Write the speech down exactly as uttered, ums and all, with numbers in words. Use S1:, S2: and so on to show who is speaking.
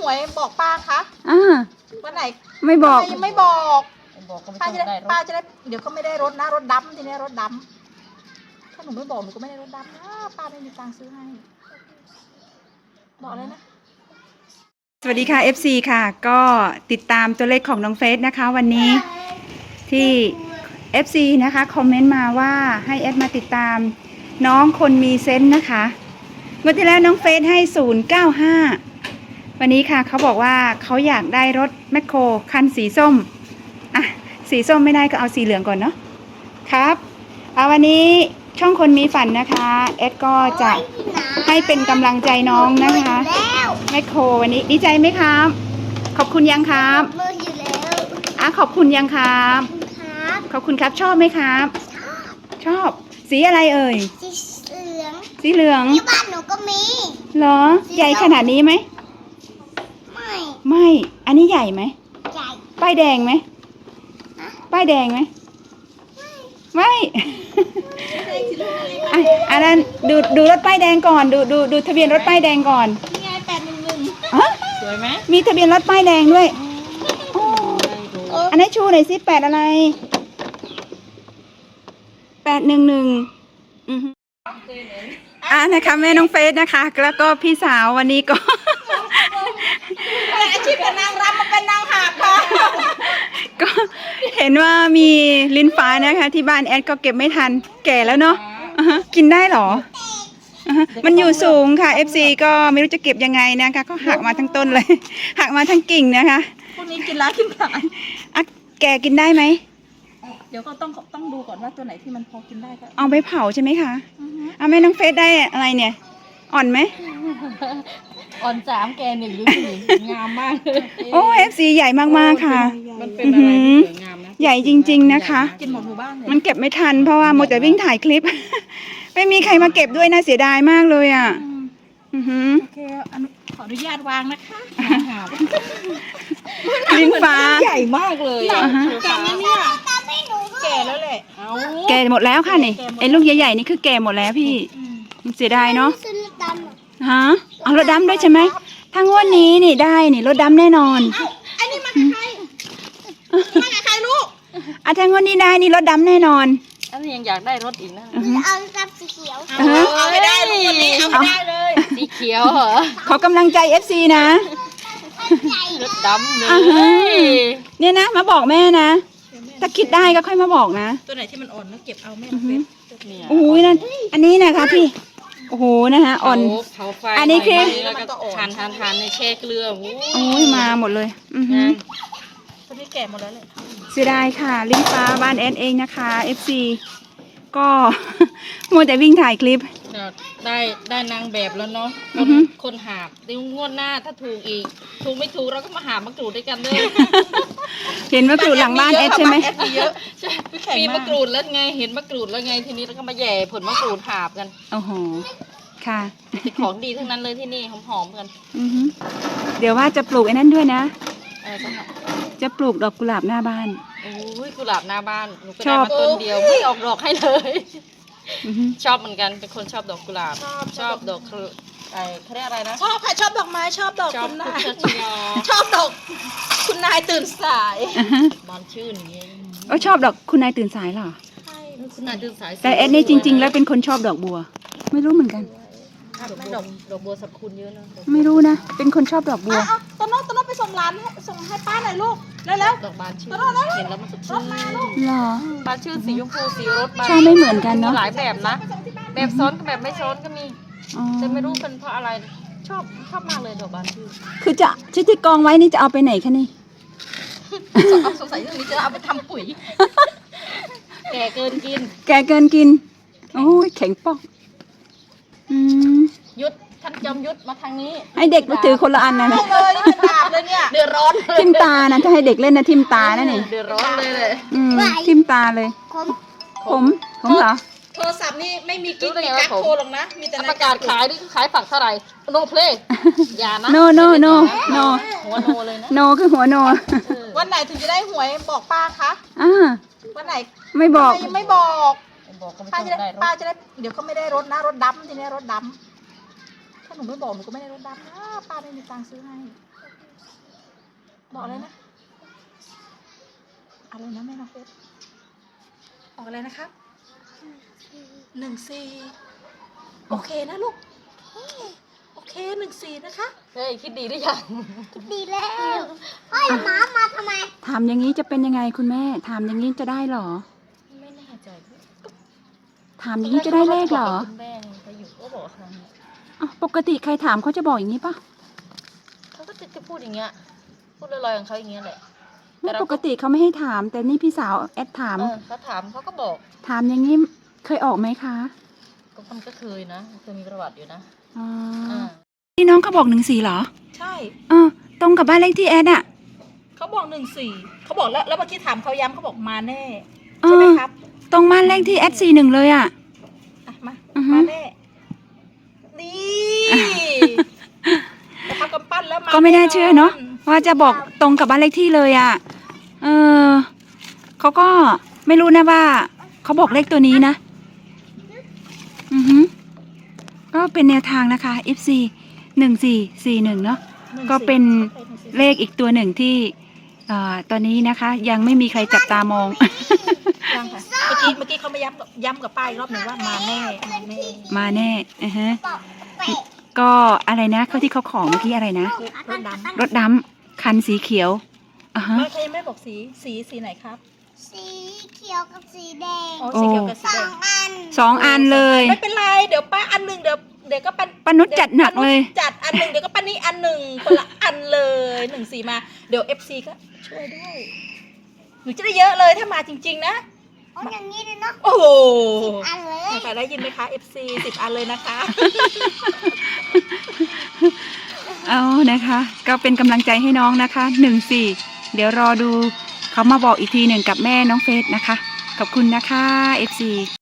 S1: วยบอกป้าคะ
S2: อ่า
S1: วันไหน
S2: ไม่บอก
S1: ยังไม่บอกป้าจะได้ป้าจะได้เดี๋ยวก็ไม่ได้รถนะรถดำทีนี้รถดำถ้าหนูไม่บอกหนูก็ไม่ได้รถดำนะป้าไม่มีตังค์ซื้อให้บอกเลยนะ
S2: สวัสดีค่ะ เอฟ ซี ค่ะก็ติดตามตัวเลขของน้องเฟสนะคะวันนี้ที่ เอฟ ซี นะคะคอมเมนต์มาว่าให้แอดมาติดตามน้องคนมีเซนส์นะคะเมื่อที่แล้วน้องเฟสให้ศูนย์เก้าห้าวันนี้ค่ะเขาบอกว่าเขาอยากได้รถแมคโครคันสีส้มอ่ะสีส้มไม่ได้ก็เอาสีเหลืองก่อนเนาะครับเอาวันนี้ช่องคนมีฝันนะคะแอดก็จะให้เป็นกำลังใจน้องนะคะแมคโครวันนี้ดีใจไหมครับขอบคุณยังครับมืออยู่แล้วอ่ะขอบคุณยังครับขอบคุณครับชอบไหมครับชอบสีอะไรเอ่ยสีเหลืองสีเหลืองที่บ้านหนูก็มีเหรอใหญ่ขนาดนี้ไหมไม่ไม่อันนี้ใหญ่ไหมใหญ่ป้ายแดงไหมป้ายแดงไหมไม่อ่ะอันนั้นดูดูรถป้ายแดงก่อนดูดูดูทะเบียนรถป้ายแดงก่อน
S1: นี่ไงแปดหนึ่งหนึ่งสวยไหม
S2: มีทะเบียนรถป้ายแดงด้วยอันนี้ชูหน่อยสิแปดอะไรแปดหนึ่งหนึ่งอ่ะนะคะแม่น้องเฟสนะคะแล้วก็พี่สาววันนี้ก็
S1: อาชีพเป็นนางรำมาเป็นนางหาบค่ะ
S2: ก็เห็นว่ามีลิ้นฟ้านะคะที่บ้านแอดก็เก็บไม่ทันแก่แล้วเนาะกินได้หรอมันอยู่สูงค่ะ เอฟ ซี ก็ไม่รู้จะเก็บยังไงนะคะก็หักมาทั้งต้นเลยหักมาทั้งกิ่งนะคะ
S1: พวกนี้กินล้ากินขาย
S2: อ่ะแกกินได้ไหม
S1: เดี๋ยวก็ต้องต้องดูก่อนว่าตัวไหนที่มันพอกินได้ก็
S2: เอาไปเผาใช่ไหมคะเอาแม่น้องเฟสได้อะไรเนี่ยอ่อนไหม
S1: อ่อนสามแกหนึ่งหรือหนึ่งงามมาก
S2: โอ้ เอฟ ซี ใหญ่มากๆค่ะ
S1: มันเป็นอะไรที่สวยงามนะ
S2: ใหญ่จริงๆนะคะ
S1: กินหมดหมู่บ้านเลย
S2: มันเก็บไม่ทันเพราะว่าโมแต่วิ่งถ่ายคลิปไม่มีใครมาเก็บด้วยนะเสียดายมากเลยอ่ะโ
S1: อเคขออนุญาตวางนะคะ
S2: ลิ้นฟ้า
S1: ใหญ่มากเลยแก่เนี่ยแก่แล้วแหละ
S2: แก่หมดแล้วค่ะนี่ไอ้ลูกใหญ่ๆนี่คือแก่หมดแล้วพี่เสียดายเนาะฮะเอารถดำด้วยใช่ไหมถ้างวดนี้นี่ได้นี่รถดำแน่นอน
S1: ไอ้นี่มาใครมาใครลูก
S2: อ่ะถ้างวดนี้ได้นี่รถดำแน่นอน
S1: อันนี้ยังอยากได้รถอีกนะ
S3: เอากับสีเขียว
S1: เอาไม่ได้ลูกวันนี้เอาไม่ได้เลยสีเขียวเหรอ
S2: ขอกำลังใจ เอฟ ซี นะ
S1: รถดำเลย
S2: เนี่ยนะมาบอกแม่นะถ้าคิดได้ก็ค่อยมาบอกนะ
S1: ตัวไหนที่มันอ่อนแล้วเก็บเอาแม่เฟ
S2: โอ้ยนั่นอันนี้นะคะพี่โอ้โหนะคะอ่อนอันนี้คือ
S1: แล้วก็ทานทานทานในแช่เกลือ
S2: โอ้ยมาหมดเลยอือฮึ
S1: ตัวนี้แก่หมดแล้วเลย
S2: เสียดายค่ะลิ้นฟ้าบ้านแอนเองนะคะ เอฟ ซี ก็มัวแต่วิ่งถ่ายคลิป
S1: ได้ได้นางแบบแล้วเนาะคนหาบเดี๋ยวงวดหน้าถ้าถูกอีกถูกไม่ถูกเราก็มาหามะกรูดด้วยกันเลย
S2: เห็นมะกรูดหลังบ้านแอดใช่ไหม
S1: มีมะกรูดแล้วไงเห็นมะกรูดแล้วไงทีนี้เราก็มาแย่ผลมะกรูดหาบกัน
S2: โอ้โหค่ะ
S1: ของดีทั้งนั้นเลยที่นี่หอมๆกัน
S2: เดี๋ยวว่าจะปลูกไอ้นั่นด้วยนะจะปลูกดอกกุหลาบหน้าบ้าน
S1: โอ้ยกุหลาบหน้าบ้านหนูก็ได้มาต้นเดียวไม่ออกดอกให้เลยชอบเหมือนกันเป็นคนชอบดอกกุหลาบชอบดอกไอ้เขาเรียกอะไรนะชอบค่ะชอบดอกไม้ชอบดอกคุณนายชอบดอกคุณนายตื่นสายบานชื่นอย่างเงี้ย
S2: เออชอบดอกคุณนายตื่นสายเหรอ
S1: ใช่คุณนายตื่นสาย
S2: แต่เอ็ดนี่จริงๆแล้วเป็นคนชอบดอกบัวไม่รู้เหมือนกัน
S1: ดอกดอกบัวสรรพคุณเยอะนะ
S2: ไม่รู้นะเป็นคนชอบดอกบัว
S1: ต้นน้องต้นน้องไปส่งร้านส่งให้ป้าหน่อยลูกแล้วแล้วดอกบานชื่นเห็นแล้วมันสดชื่น
S2: หรอ
S1: บานชื่นสีชมพูสีรส
S2: ชอบไม่เหมือนกันเนาะ
S1: หลายแบบนะแบบซ้อนกับแบบไม่ซ้อนก็มีจะไม่รู้เป็นเพราะอะไรชอบชอบมากเลยดอกบานชื่น
S2: คือจะชุดที่กองไว้นี่จะเอาไปไหนคะนี่
S1: สงสัยเรื่องนี้จะเอาไปทำปุ๋ยแก่เกินกิน
S2: แก่เกินกินโอ้ยแข็งปอกอืม
S1: ยุดท่านจอมยุดมาทางนี้
S2: ให้เด็กมาถือคนละอันนะนะ
S1: เลยเป็นดาบเลยเนี่ยเดือดร้อน
S2: ทิ่มตานะถ้าให้เด็กเล่นนะทิ่มตานั่นเอง
S1: เดือดร้อนเลยเลย
S2: อืมทิ่มตาเลยผมผมผมเหรอ
S1: โทรศัพท์นี่ไม่มีกิ๊กมีกั๊กโทรหรอกนะมีแต่
S3: ประกาศขายนี่ขายฝักเท่าไหร่โนเพลย์อย่านะ
S2: โนโนโนโน
S1: หัวโนเลยนะ
S2: โนคือหัวโน
S1: วันไหนถึงจะได้หวยบอกป้าคะ
S2: อ่า
S1: วันไหน
S2: ไม่บอก
S1: ไม่บอกป้าจะได้ป้าจะได้เดี๋ยวก็ไม่ได้รถนะรถดำทีนี้รถดำถ้าหนูไม่บอกหนูก็ไม่ได้รถดำนะป้าไม่มีตังค์ซื้อให้
S3: บอกอะไรนะอะไรนะแม่น้องเฟสออกอะไรนะครับหนึ่งสี่โอเคนะลูกโอเคหนึ่งสี่นะคะ
S1: เฮ้ยคิดดีหรือยัง
S4: ดีแล้วเฮ้ยหมามาทำไม
S2: ถามอย่างนี้จะเป็นยังไงคุณแม่ ถามอย่างนี้จะได้เหรอ
S1: ไม่แน่ใจ
S2: ถามอย่างนี้จะได้เลขเหรอ
S1: คุณแม่เขาอยู่ก็บอกครั้งนี้
S2: อ้าวปกติใครถามเขาจะบอกอย่างนี้ปะ
S1: เขาก็จะพูดอย่างเงี้ยพูดลอยๆของเขาอย่างเงี้ยแหละ
S2: ไม่ปกติเขาไม่ให้ถาม แต่นี่พี่สาวแอดถาม
S1: เออเขาถามเขาก็บอก
S2: ถามอย่างนี้เคยออกไหมคะ
S1: ก็มันก็เคยนะเคยมีประวัติอยู่นะ
S2: อ๋อ
S1: อ่า
S2: ที่น้องเขาบอกหนึ่งสี่เหรอ
S3: ใช่
S2: เออตรงกับบ้านเลขที่แอดอะ
S3: เขาบอกหนึ่งสี่เขาบอกแล้วแล้วเมื่อกี้ถามเขาย้ำเขาบอกมาแน่
S2: เอ
S3: ใช่ไหม
S2: อ
S3: ครับ
S2: ตรงบ้านเลขที่แอดสี่หนึ่งเลยอะ
S3: อ่ะมา
S2: อือฮึ
S3: มาแน่นี่แต่ทำกำปั้นแล้วมา
S2: ก็ไม่น่าเชื่อเนาะว่าจะบอกตรงกับบ้านเลขที่เลยอะเออเขาก็ไม่รู้นะว่าเขาบอกเลขตัวนี้นะ อือฮึก็เป็นแนวทางนะคะ เอฟ ซี หนึ่งสี่สี่หนึ่งเนาะ ก็เป็นเลขอีกตัวหนึ่งที่เอ่อตอนนี้นะคะ ยังไม่มีใครจับตามอง
S3: ยังค่ะเมื่อกี้เมื่อกี้เขามาย้ำกับย้ำกับป้ายอีกรอบหนึ่งว่ามาแน่มาแน่
S2: มาแน่อือฮะ
S4: บอกเปะ
S2: ก็อะไรนะเขาที่เขาของเมื่อกี้อะไรนะ
S3: คือรถดำ
S2: รถดำคันสีเขียวอ่ะฮะ
S3: ไม่ใครยังไม่บอกสีสีสีไหนครับ
S4: สีเขียวกับสีแดง
S3: อ๋อสีเขียวกับสี
S4: ส
S3: แด
S4: อง งอัน
S2: สองอันเลย
S3: ไม่เป็นไรเดี๋ยวป้าอันหนึ่งเดี๋ยวเดี๋ยวก็ปัน
S2: ป้านุชจัดหนักเลย
S3: จัดอันหนึ่งเดี๋ยวก็ป้านี่อันหนึ่งคนละอันเลยหนึ่งสีมาเดี๋ยวเอฟซีก็ช่วยด้วยหนูจะได้เยอะเลยถ้ามาจริง ๆ นะ
S4: เอาอย่างนี้เลยเนาะ
S3: โอ้โห
S4: อันเลย
S3: ใครได้ยินไหมคะ เอฟ ซี สิบอันเลยนะคะ
S2: เอานะคะ ก็เป็นกำลังใจให้น้องนะคะหนึ่งสี่เดี๋ยวรอดูเขามาบอกอีกทีหนึ่งกับแม่น้องเฟสนะคะ ขอบคุณนะคะ เอฟ ซี